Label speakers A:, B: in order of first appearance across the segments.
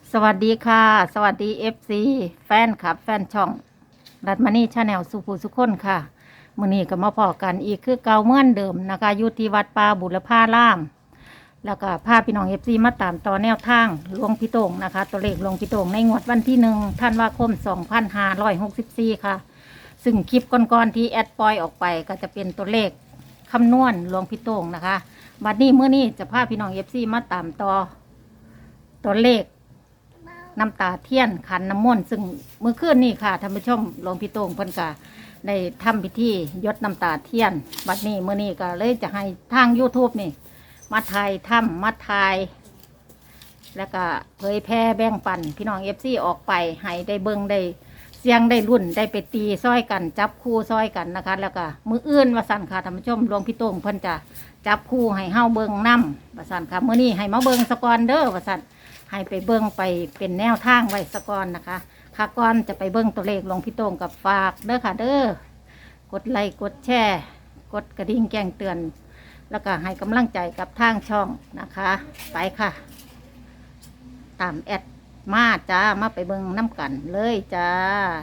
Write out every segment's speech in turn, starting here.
A: สวัสดีค่ะสวัสดีFC แฟนคลับแฟนช่องรัตมณีชาแนลสุภูสุคนค่ะมื้อนี้ก็มาพอกันอีกคือเก่าเหมือนเดิมนะคะอยู่ที่วัดป่าบุรพารามแล้วก็พาพี่น้อง FC มาตามต่อแนวทางหลวงพี่โต่งนะคะตัวเลขหลวงพี่โต่งในงวดวันที่1ธันวาคม2564ค่ะซึ่งคลิปก่อนๆที่แอดปล่อยออกไปก็จะเป็นตัวเลขคำนวณหลวงพี่โต่งนะคะบัดนี้มื้อนี้จะพาพี่น้อง FC มาตามต่อตัวเลขน้ำตาเทียนขันน้ำมนต์ซึ่งเมื่อคืนนี่ค่ะท่านผู้ชมหลวงพี่โต่งเพิ่นก็ได้ทำพิธียดน้ำตาเทียนบัดนี้มื้อนี้ก็เลยจะให้ทาง YouTube นี่มาถ่ายทำมาถ่ายแล้วก็เผยแพร่แบ่งปันพี่น้อง FC ออกไปให้ได้เบิ่งได้เสียงได้รุ่นได้ไปตีซ้อยกันจับคู่ซ้อยกันนะคะแล้วก็มื้ออื่นว่าสั่นค่ะท่านผู้ชมหลวงพี่โต่งเพิ่นจะจับคู่ให้เฮาเบิ่งนำว่าสั่นค่ะมื้อนี้ให้มาเบิ่งสกอนเด้อว่าสั่นให้ไปเบิ่งไปเป็นแนวทางไว้สกอนนะคะค่ะก่อนจะไปเบิ่งตัวเลขหลวงพี่โต่งกับฝากเด้อค่ะเด้อกดไลค์กดแชร์กดกระดิ่งแจ้งเตือน แล้วก็ให้กำลังใจกับทางช่องนะคะไปค่ะ ตามแอดมาจ้ามาไปเบิ่งน้ำกันเลยจ้า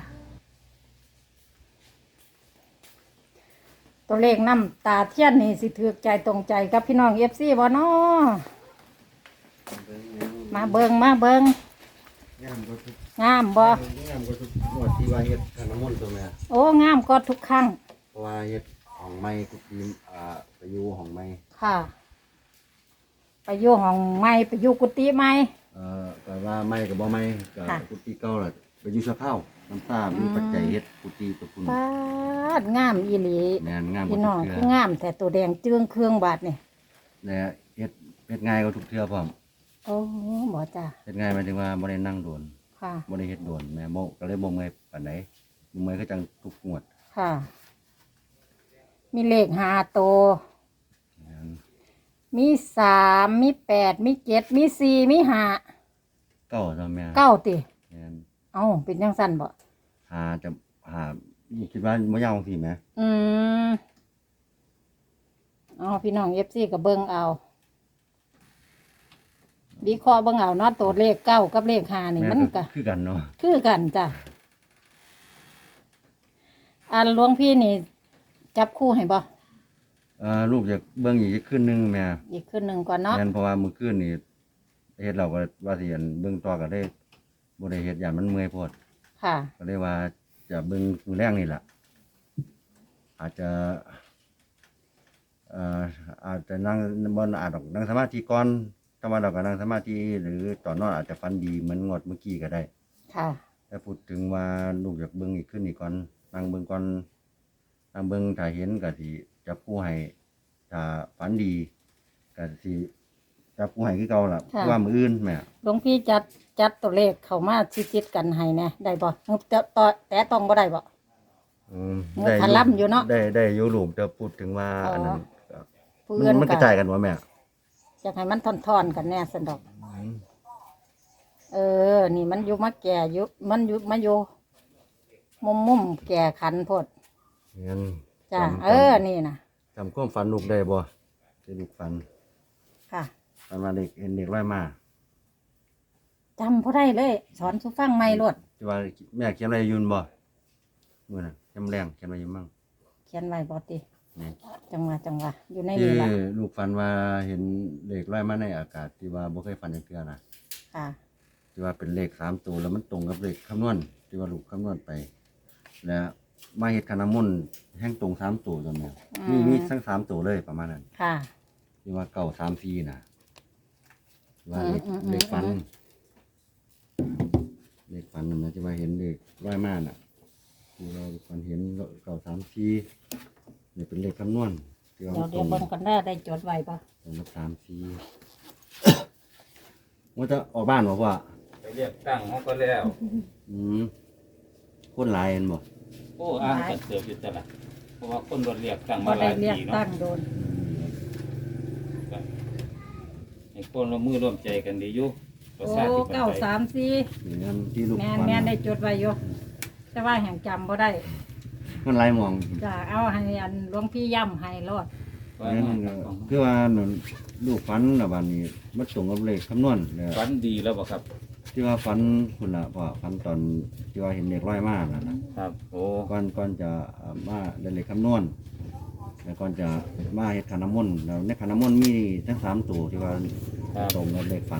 A: ตัวเลขน้ำตาเทียนนี่สิถือใจตรงใจกับพี่น้องFCบ่เนาะมาเบิ่งมาเบิ่ง
B: งามก็ทุก
A: งามบ่
B: งามก็ทุกงวดที่ว่าเฮ็ดขันน้ำมนต์ตัวแม่
A: โอ้งามก็ทุกครั้ง
B: เพราะว่าเฮ็ดของไม้ทุกทีมไปอยู่ของไม้
A: ค่ะ ไปอยู่ห้องไม้ไปอยู่กุฏิไม้
B: แต่ว่าไม้กับบ่ไม้กับ
A: ค่ะ
B: กุฏิเก่าล่ะไปอยู่สะเพร่าน้ำตามีปัจจัยเฮ็ดกุฏิตัวคุณ
A: ปาดงามอีหลี
B: แม่นงามก
A: พี่
B: ว่า
A: น้อง
B: ทุก
A: คื
B: เทื่
A: อ
B: อง
A: ามแต่ตัวแดงเจืองเครื่องบาดนี่
B: และเฮ็ดง่ายกว่าทุกเทื่อพร้อม
A: โอ้บ่จ้า
B: เฮ็ดง่ายหมายถึงว่าบ่ได้นั่งโดน
A: ค่ะ
B: บ่ได้เฮ็ดโดนแม่ก็เลยบ่เมื่อยปานใดบ่เมื่อยคือจังทุกงวด
A: ค่ะ มีเลข5ตัว
B: แม่น
A: มี3มี8มี7มี4มี5
B: เก้าตัวแม่
A: 9ติ
B: แม่น
A: เอ้าเป็นจังซั่นบ่
B: จะคิดว่าบ่ยาวจังซี่แหม
A: อืมเอาพี่น้อง FC ก็เบิ่งเอาวิเคราะห์เบิ่งเอาเนาะตัวเลข9กับเลข5นี่มันก็
B: คือกันเนาะ
A: คือกันจ้ะอันหลวงพี่นี่ จับคู่ให้บ่
B: ลูกจะเบิ่งอีกคืนนึงแม่
A: อีกคืนหนึ่งก่อนเนาะ
B: แม่นเพราะว่ามื้อคืนนี่เฮ็ดเราก็ว่าสิอันเบิ่งต่อก็ได้บ่ได้เฮ็ดยานมันเมื่อยโพด
A: ค่ะ
B: ก็เลยว่าจะเบิ่งมื้อแรงนี่ล่ะอาจจะอาจจะนั่งบ่อาจดอกนั่งสมาธิก่อนถ้าว่าเราก็นั่งสมาธิหรือตอนนอนอาจจะฝันดีเหมือนงวดเมื่อกี้ก็ได้
A: ค่ะ
B: แต่พูดถึงว่าลูกอยากเบิ่งอีกคืนนี่ก่อนนั่งเบิ่งก่อนนั่งเบิ่งถ้าเห็นก็สิจับคู่ให้ถ้าฝันดีก็สิจับคู่ให้คือเก่าล่ะเพราะว่ามื้ออื่นแม่
A: หลวงพี่จัดตัวเลขเข้ามาชิดๆกันให้แหน่ได้บ่งบแต่ต้องบ่ได้บ่ หมู่พะล่ำอยู่เนาะ
B: ได้อยู่ลูกจะพูดถึงว่า
A: อ๋ออั
B: อันนั้น
A: ผู้อื่น
B: มันก
A: ก็
B: ระจายกันวะแม่
A: อยากให้มันทอนๆกันแน่สันดอก นี่มันอยู่มาแก่อยู่มันอยู่มาอยู่มุมแก่ขันโพด
B: งั้น
A: จ้ะนี่นะ
B: จำความฝันลูกได้บ่ที่ลูกฝัน
A: ค่ะ
B: ฝันว่าเด็กเห็นเด็กร้อยมา
A: จำบ่ได้เลย สอนสุฟังไม่รด
B: ที่ว่าแม่เขียนอะไรอยืนบ่มื้อน่ะเขียนแรงเขียนอะไรอยู่มั่ง
A: เขียนไว้บ่ติ
B: นี่
A: จังหวะอยู่ใน
B: ที่
A: นี้ล่ะ
B: ลูกฝันว่าเห็นเด็กร้อยมาในอากาศที่ว่าบ่เคยฝันจักเทื่อนะ
A: ค่ะ
B: ที่ว่าเป็นเลข3ตัวแล้วมันตรงกับเลขคำนวณที่ว่าลูกคำนวณไป แล้วมาเฮ็ดขันน้ำมนต์แห่งตรง3ตัวตัวแม่มีทั้ง3ตัวเลยประมาณนั้น
A: ค่ะ
B: ที่ว่าเก่า3-4น่ะว่าเลข
A: อืม
B: เลขฝันเลขฝันนั่นนะที่ว่าเห็นเลขร้อยมาน่ะที่เราฝันเห็นเก่า3-4นี่เป็นเลขคำนวณที่ว่า
A: เดี๋ยวเบิ่งกันได้จดไว้ป่ะ
B: ตรงกับ3-4ว่าจะออกบ้านบ่พ่อ
C: ไปเรียกตั้งเขาก็แล้ว
B: อืมคนหลายเห็นบ่
C: โอ้อ่างกันเสืออยู่ตลาดเพราะว่าคนรถเรียกตั้ง
A: บ่
C: มาห
A: ได้
C: ลาย
A: เรียก
C: ปี
A: ตั้
C: เนาะ
A: งโดน
C: ให้คนร่วมมือร่วมใจกันดีอยู่ประ
A: โอ้
C: ชาธิปไตย
A: 934
B: นี่นั่นที่ลูก
A: แม่น
B: ฝัน
A: แม่นได้จดไว้อยู่แต่ว่าแห่งจำบ่ได้
B: มันหลายหมอง
A: จะเอาให้อันหลวงพี่ย่ำให้รอด
B: นั่นก็คือว่านั่นลูกฝันน่ะบัดนี้มันตรงกับเลขคำนวณแล้ว
C: ฝันดีแล้วบ่ครับ
B: ที่ว่าฝันคุณล่ะพ่อฝันตอนที่ว่าเห็นเด็กร้อยมากนั่นล่ะ
C: ครับโอ้
B: ก่อนจะมาได้เลขคำนวณแล้วก่อนจะมาเฮ็ดขันน้ำมนต์แล้วในขันน้ำมนต์มีทั้ง3ตัวที่ว่าตรงกับเลขฝัน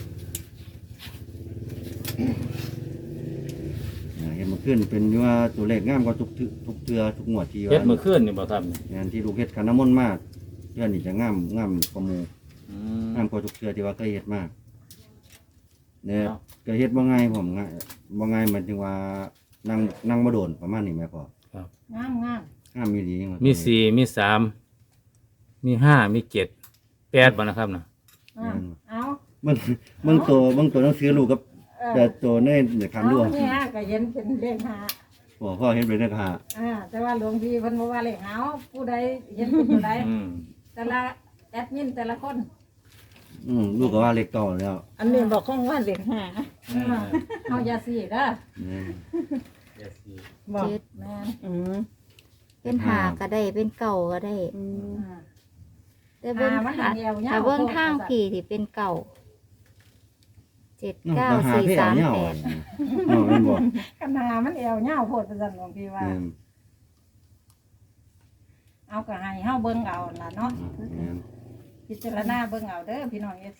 B: เห็นมันขึ้นเป็นว่าตัวเลขงามกว่าทุกเทือทุกงวดที่
C: เฮ็ด
B: ว่า
C: มื้อคืนนี่บ่ครับนี่
B: งานที่ลูกเฮ็ดขันน้ำมนต์มากเทือนี่จะงามกว่าหมู่
C: อืม
B: งามกว่าทุกเทือที่ว่าเคยเฮ็ดมากเนี่ย
C: เนาะ
B: ก็เฮ็ดบ่ง่ายผมง่ายบ่ง่ายหมายถึงว่านั่งบ่โดนประมาณนี้แม่พ่อ
C: ครับ
A: งามงาม
B: งามมีดีจังว่า
C: มี4มี3มี5มี7 8บ่นะครับน่ะ
A: อ่าเอา
B: เบิ่งตัวหนังสือลูกกับแต่ตัวในขันด้ว
A: เอาเนี่ยก็เห็นเป็นเลขหา
B: พ่อเห็นเป็นเลขห้า
A: แต่ว่าหลวงพี่เพิ่นบอกว่าเลขหาผู้ใดเห็นเป็นผู้ใด
C: อืม
A: แต่ละแอดมินแต่ละคน
B: ลูกก็ว่าเลขเก่าแล้ว
D: อันนี้บอกข้องว่าเหล็กหา
A: เฮาอย่าสิเด้อ
B: นี่
C: อย่าสิ
D: บอก
E: เจ็ด
A: แม่น
D: อืม
E: เป็นหาก็ได้เป็นเก่าก็ได้
D: อืม
A: อ่า
E: แต่เบิ้ง
A: มัน
E: ทาง
A: เดียวเงา
E: ถ้าเบิ้งทางผีที่เป็นเก่า7 9
B: ก็หา
E: 4
B: เพี่เอาเนี่ย
E: 3 8
B: แม่นบ่
A: กันหามันเอวเงาโพดประจันหลวงพี่ว่า เอาก็ให้เฮาเบิ่งเอาล่ะเนาะ
B: แม่น
A: พิจารณาเบิ่งเอาเด้อพี่น้อง FC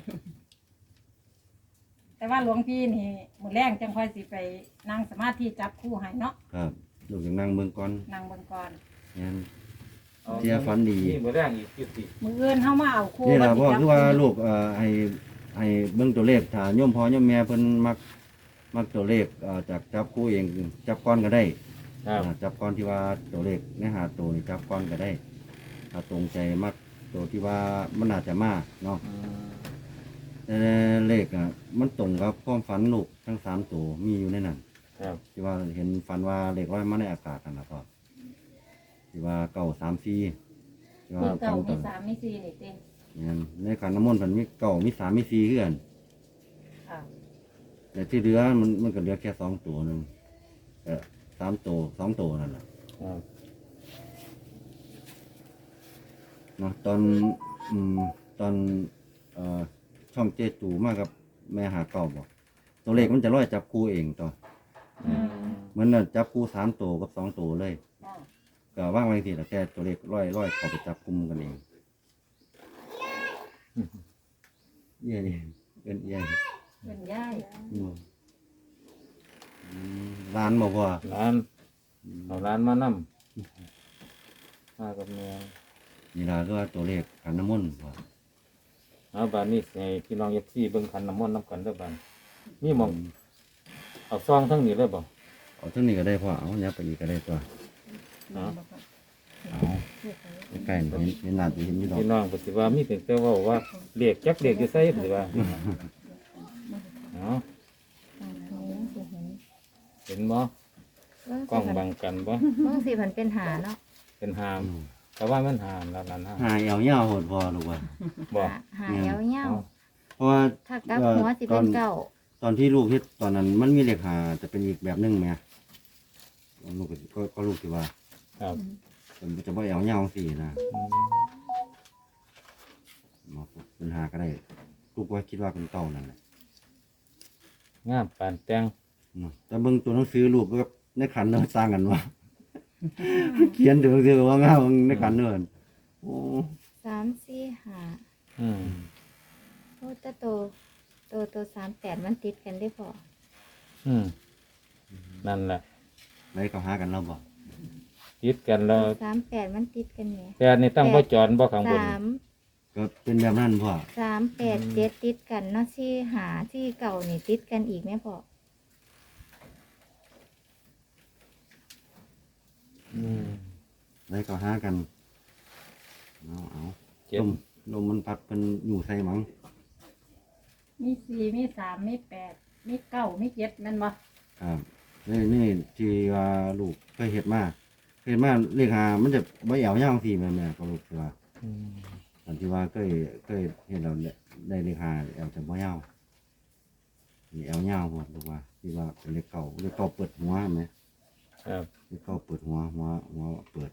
A: แต่ว่าหลวงพี่นี่มื้อแรงจังค่อยสิไปนั่งสมาธิจับคู่ให้เนาะ
B: ครับลูกอย่างนั่งเบิ่งก่อน
A: นั่งเบิ่งก่อน
B: แม่น เที่ยฝันดี
C: นี่มื้อแรงอีกอยู่สิ
A: มื้ออื่นเฮามาเอาคู่
B: นี่ล่ะพ่อ
A: สิจับ
B: คือว่าลูกให้เบิ่งตัวเลขถ้าโยมพ่อโยมแม่เพิ่นมักตัวเลขจากจับคู่เองจับก้อนก็ได้
C: ครับ
B: จับก้อนที่ว่าตัวเลขในหาตัวนี่จับก้อนก็ได้ ถ้าตรงใจมักตัวที่ว่ามันอาจจะมาเนาะ
C: อืม
B: แต่เลขมันตรงกับความฝันลูกทั้ง3ตัวมีอยู่ในนั้น
C: ครับ
B: ที่ว่าเห็นฝันว่าเลขร้อยมาในอากาศนั่นล่ะพ่อที่ว่า934ที่ว่า
A: มี
B: ฝั
A: เก้าน
B: ต
A: มี
B: อน
A: สามมีสี่นี่เต็ม
B: เนี่ยในขันน้ำมนต์มันมี9มี3มี4คือกัน
A: ค่ะ
B: แต่ที่เหลือมันก็เหลือแค่2ตัวนึง3ตัว2ตัวนั่นแหละ
C: ครับ
B: เนาะตอนช่องเจตูมากับแม่หาเก่าบอกตัวเลขมันจะร้อยจับคู่เองต่อ
C: อืม
B: เหมือนน่ะจับคู่3ตัวกับ2ตัวเลย
A: อ่า
B: ก็ว่างไว้ทีละแค่ตัวเลขร้อยเข้าไปจับกลุ่มกันเองเยี่ยนี่เป็นเยี่ย
A: เป็นย่าย
B: ร้านบอกว่า
C: ร้านเอาร้านมานำมากับแม่
B: นี่ล่ะก็ตัวเลขขันน้ำมนต์ว่า
C: เอาบานนี้ให้พี่น้อง FC เบิ่งขันน้ำมนต์นํกันเด้อบานนี่หมองเอาซองทั้งนี้เลยบ่
B: เอาเท่านี้ก็ได้พ่อเอาเนี้ยไปอีกก็ได้ตัว
C: เนาะ
B: เอาใกล้ๆเห็นหน้าตัวเห็นอยู่ดอก
C: พี่น้องก็สิว่ามีเพียงแต่เว้าว่าเลขจักเลขอยู่ไสสิว่าเนาะเห็นบ่กล้องบังกันบ่
E: เบิ้งสิมันเป็นหาเนาะ
C: เป็นหามแต่ว่ามันหามแล้วนั่นฮะ
B: หายเอาเหี้ยโหดพอลูกว่า
C: บ่
E: หาเยาว
B: เพราะว่า
E: ๆถ้ากลับหัวสิเป็นเก่า
B: ตอนที่ลูกเฮ็ดตอนนั้นมันมีเลขหาจะเป็นอีกแบบหนึงไหมลูกก็ลูกที่ว่า
C: ครับ
B: มันจะบ่เอาเหี้ยสินะ
C: อืม
B: มาเป็นหาก็ได้ลูกว่าคิดว่าเป็นเก่านั่นแหละ
C: งามปานแต่ง
B: เนาะแต่เบิ่งตัวหนังสือลูกก็ในขันเนาะสร้างกันว่า เขียนตัวหนังสือว่างามในขันเนาะโอ้
E: 3 4 5
C: อืม
E: โอ้แต่ตัว38มันติดกันได้พอ
C: อืมนั่นแหละ
B: ไหนเขาหากันแล้วบ่
C: ติดกันแล้ว
E: 38มันติดกันแหม
C: แต่นี่ตั้งบ่จอนบ่ข้างบน
E: 3
B: ก็เป็นแบบนั้นพ่อ
E: 3 8 7ติดกันเนาะ4 5 4 เก่านี่ติดกันอีกแม่พอ
C: อืม
B: ไหนเขาหากันเอา
C: เจ็ด
B: ลมมันพัดเป็นอยู่ใส่หมัง
A: มีสี่มีสามมีแปดมีเก้ามีเจ็ดแม่นบ่
B: ครับนี่ที่ว่าลูกเคยเห็ดมาเลขหามันจะใบเหี่ยวย่างทีแม่ก็ลูกที่ว่า
C: อืม
B: ตอนที่ว่าเคยเห็นเราได้เลขหาแอลจะใบเหี่ยวนี่แอลเหี่ยวหมดลูกว่าที่ว่าเป็นเลขเก่าเปิดหัวไหม
C: ครับ
B: เลขเก่าเปิดหัวเปิด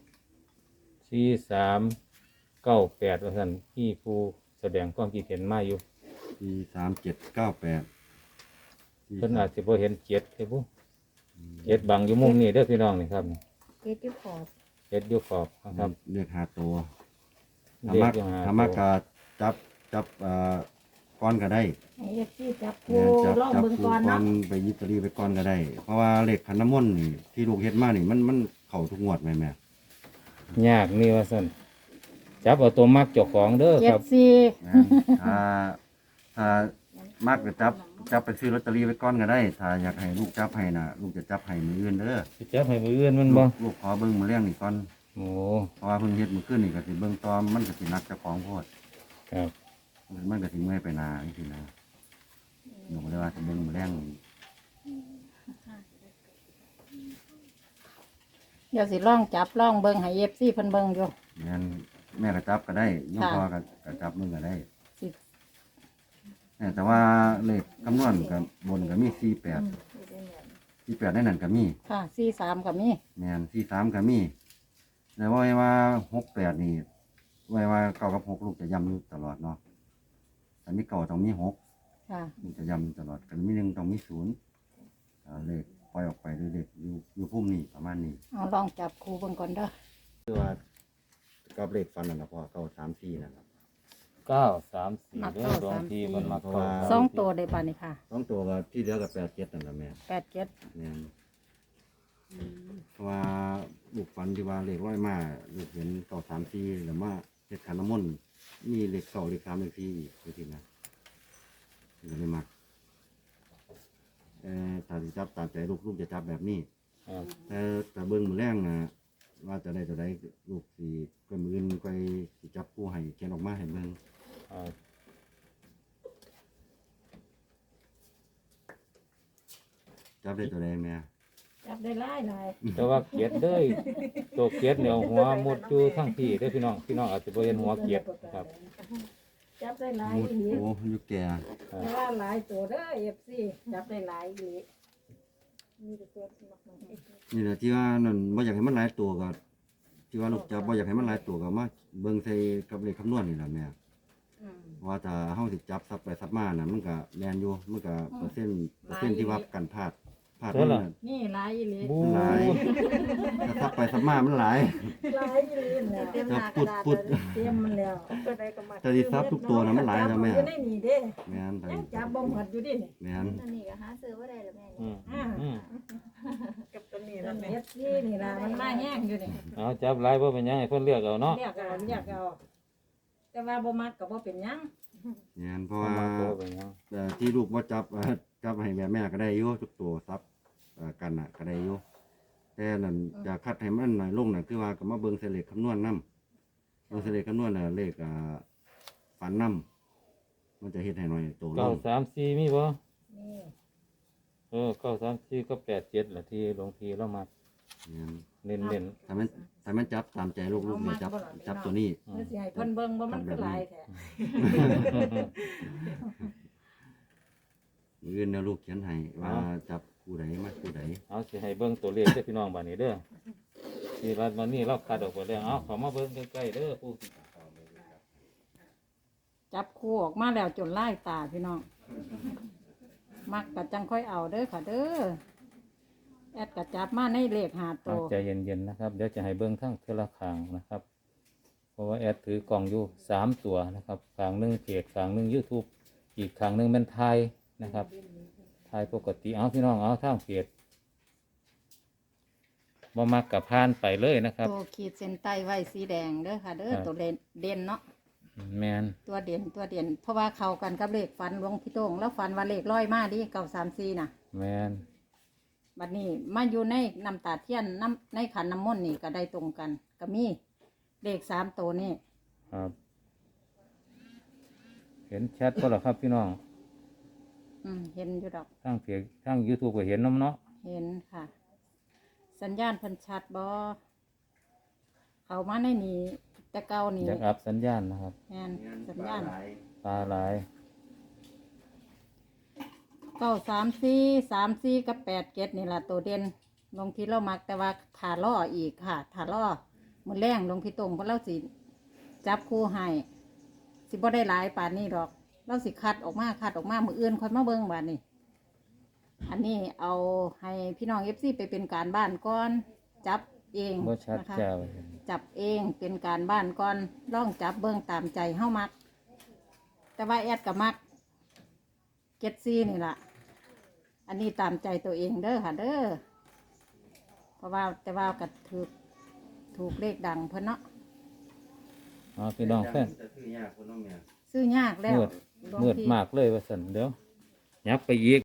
C: 4398ว่าซั่นพี่ผู้แสดงความคิดเห็นมาอยู่
B: ที่3798
C: เพิ่นอาจสิบ่เห็นเจ็ดเด้อบุเจ็ดบังอยู่มุมนี้เด้อพี่น้องนี่ครับ
E: เจ็ดอยู่ขอบ
C: เจ็ดอยู่ขอบนะครับ
B: เรียกหาตัว
C: เรียกอยู่หา
B: ธรรมะกาจับก้อนก็ได้
A: ไอ้ที่จับ
B: แม่
A: คู่
B: นจับ
A: ลอง
B: จับ
A: เบิ่ง
B: คู่
A: ก่อน
B: ก้อ
A: เนาะ
B: นไปยิตรีไปก้อนก็ได้ เพราะว่าเลขขันน้ำมนต์นี่ที่ลูกเฮ็ดมานี่มันเข้าทุกงวดไหมแม่
C: ยากนี่ว่าซั่นจับเอาตัวมักเจ้าของเด้อ
A: เจ็
C: ครั
A: ด
C: บ
A: สี่
B: แม่นถ้ามากก็จับไปซื้อลอตเตอรี่ไว้ก้อนก็ได้ ถ้าอยากให้ลูกจับให้น่ะลูกจะจับให้มืออื่นเด้อ
C: สิจับให้มืออื่นมันบ่
B: ลูกขอเบิ่งมือเลี้ยงนี่ก่อน
C: โอ้
B: เพราะว่าเพิ่งเฮ็ดมื้อคืนนี่ก็สิเบิ่งตอมันก็สินักเจ้าของโพด
C: ครับ
B: มันก็สิเมื่อยไปนาจังซี่นะหนูก็เลยว่าสิเบิ่งมือเลี้ยงนี่
A: เดี๋ยวสิลองจับลองเบิ่งให้FCเพิ่นเบิ่งอยู่
B: งั้นแม่ก็จับก็ได้น้อง
A: ค่ะ
B: พ่อก็จับมึงก็ได้
A: สิ
B: แต่ว่าเลขคำนวณกับบนก็มี48ในนั้นก็มี
A: ค่ะ43ก็มี
B: แม่น43ก็มีแต่ว่า68นี่ว่าเก้ากับ6ลูกจะย้ำอยู่ตลอดเนาะแต่มีเก้าต้องมี6
A: ค่ะ
B: ลูกจะย้ำตลอดกันมี1ต้องมี0เลขปล่อยออกไปด้วยเลขอยู่พุ่มนี่ประมาณนี้
A: เอาลองจับคู่เบิ่งก่อนเด้อ
B: คือว่ากับเลขฟันนั่นล่ะพ่อเก้า3 4นั่นล่ะ
C: 934เด้อดวงทีมันมักเข้า
A: สองตัวได้ป่ะนี่ค่ะ
B: สองตัวก็ที่เหลือก็87นั่นล่ะแม่
A: 87
B: เนี่ยเพราะว่าลูกฝันที่ว่าเลขร้อยมาลูกเห็นเก่า3 4แล้วมาเฮ็ดขันน้ำมนต์มีเลข2เลข3เลข4อีกไปทีนะนี่ก็เลยมักถ้าสิจับตามใจลูกจะจับแบบนี้
C: ครับ
B: แต่เบิ่งมือแรงนะว่าจะได้ตัวใดลูกสิก็มืออื่นก็สิจับผู้ให้เขียนออกมาให้เบิ่ง
C: ครับ
B: จับได้ตัวใดแม่
A: จับได้หลาย
C: แต่ว่าเกียดเด้อตัวเกียดเนี่ยเอาหัวมุดอยู่ทั้งพี่เด้อพี่น้องอาจจะบ่เห็นหัวเกียดครับ
A: จับได้หลาย
B: มุดโอ้อยู่แก่
A: แต่ว่าหลายตัวเด้อ FC จับได้หลายอีก
B: นี่แหละที่ว่านั่นบ่อยากให้มันหลายตัวก็ที่ว่าลูกจับบ่อยากให้มันหลายตัวก็มาเบิ่งใส่กับเลขคำนวณนี่ล่ะแม่
A: อืม
B: ว่าถ้าเฮาสิจับซับไปซับมาน่ะมันก็แม่นอยู่มันก็เปอร์เซ็นต์ที่ว่ากันพลาดมันน่ะ
A: นี่หลายอีหลี
C: บู
B: หลายถ้าซับไปซับมามันหลาย
A: หลายอีหลีแล้ว
E: เต็มห
B: ถ้า
E: น้าก
B: ปุ
E: ระ
B: ด
E: ดาษ
B: ปุด
A: เตรียมมันแล้ว
B: ถ้าสิซับทุกตัวน่ะมันหลายนะแม่
A: อยู่ในนี่เด้
B: แม่นไป
A: ยังจับบ่หมดอยู่ดินี่
B: แม่น
E: อันนี้ก็หาซื้อบ่ได้แล้วแม่
C: อื
E: นี่
C: มอืม
A: นั่นเฮ็ดซี่นี่ล่ะมันมาแห้งอยู่นี่
C: เอาจับหลายบ่เป็นหยังให้เพิ่นเลือกเอาเนาะ
A: เรียกเอาแต่ว่าบ่มักก็บ่เป็นหยัง
B: แม่นเพราะ
C: บ่
B: ว่า
C: มักก็บ่เป็นหยัง
B: ที่ลูกบ่จับจับให้แม่ก็ได้อยู่ทุกตัวซับกันน่ะก็ได้อยู่แต่นั่นจะคัดให้มันน้อยลงน่ะคือว่าก็มาเบิ่งใส่เลขคำนวณนำเบิ่งใส่เลขคำนวณน่ะเลขฝันนำมันจะเฮ็ดให้น้อยตัวลง
C: 934มีบ่
A: นี่
C: 934ก็87ล่ะที่หลวงพี่เรามา
B: แม่น
C: เน้น
B: ถ้ามันจับตามใจลูกเนี่ยจับตัวนี้
C: ๆอื
A: เดี๋ย
C: ม
A: วสิให้เพิ่นเบิ่งว่ามันคือหลายแท้
B: มืออื่นนะลูกเขียนให้ว่าจับคู่ใดมาคู่ใด
C: เอาสิให้เบิ่งตัวเลขเด้อพี่น้องบัดนี้เด้อที่รัดมานี่เราคัดออกไปแล้วเอาเข้ามาเบิ่งใกล้ๆเด้อผู้
A: จับคู่ออกมาแล้วจนลายตาพี่น้องมักก็จังค่อยเอาเด้อค่ะเด้อแอดก็จับมาในเลข5ตั
C: เอา
A: ว
C: ใจเย็นๆนะครับเดี๋ยวจะให้เบิ่งทั้งเทอละข้างนะครับ เพราะว่าแอดถือกล่องอยู่3ตัวนะครับข้างหนึงเพจข้างหนึง YouTube อีกข้างหนึงเป็นไทยนะครับไทยปกติเอาพี่น้องเอาทางเพจบ่มักกับพานไปเลยนะครับ
A: ตัวขีดเส้นใต้ไว้สีแดงเด้อค่ะเด้อ
C: ครับ
A: ตัวเด่นเนาะ
C: แมน
A: ตัวเด่นเพราะว่าเข้ากันกับเลขฟันหลวงพี่โต้งแล้วฟันว่าเลขร้อยมาดิ934น่ะ
C: แมน
A: บัดนี้มาอยู่ในน้ำตาเทียนน้ำในขันน้ำมนต์นี่ก็ได้ตรงกัน ก็มีเลข3ตัวนี่
C: ครับ เห็นชัดก็หรอครับพี่น้อง
A: เห็นอยู่ดอก
C: ทางเพจทาง YouTube ก็เห็นน้ำเนาะ
A: เห็นค่ะ สัญญาณเพันชัดบอเขามาในนี้แต่เก่านี่
C: อยากอัพสัญญาณนะครับ
A: แม่นสัญญาณ
C: ตาหลาย
A: 934กับ87นี่ล่ะตัวเด่นลงที่เรามักแต่ว่าถาล่ออีกค่ะถาล่อมือแรงลงพี่ตรงเพราะเราสิจับคู่ให้สิบ่ได้หลายป่านนี้หรอก เราสิคัดออกมามืออื่นค่อยมาเบิ่งบาดนี้อันนี้เอาให้พี่น้อง FC ไปเป็นการบ้านก่อนจับเอง
C: บ่ชัด
A: นะคะ
C: เจ้า
A: จับเองเป็นการบ้านก่อนลองจับเบิ่งตามใจเฮามัก แต่ว่าแอดก็มักเก็ตซี่นี่ล่ะ อันนี้ตามใจตัวเองเด้อค่ะเด้อเพราะว่าแต่ว่าก็ถูกเลขดังเพิ่นเนาะ
C: เอาพี่น้องแฟน
B: จะซื้อยากคนน้องเนี่ย
A: ซื้อยากแล้ว
C: มืดมากเลยว่าซั่นเดี๋ยวยับไปอีก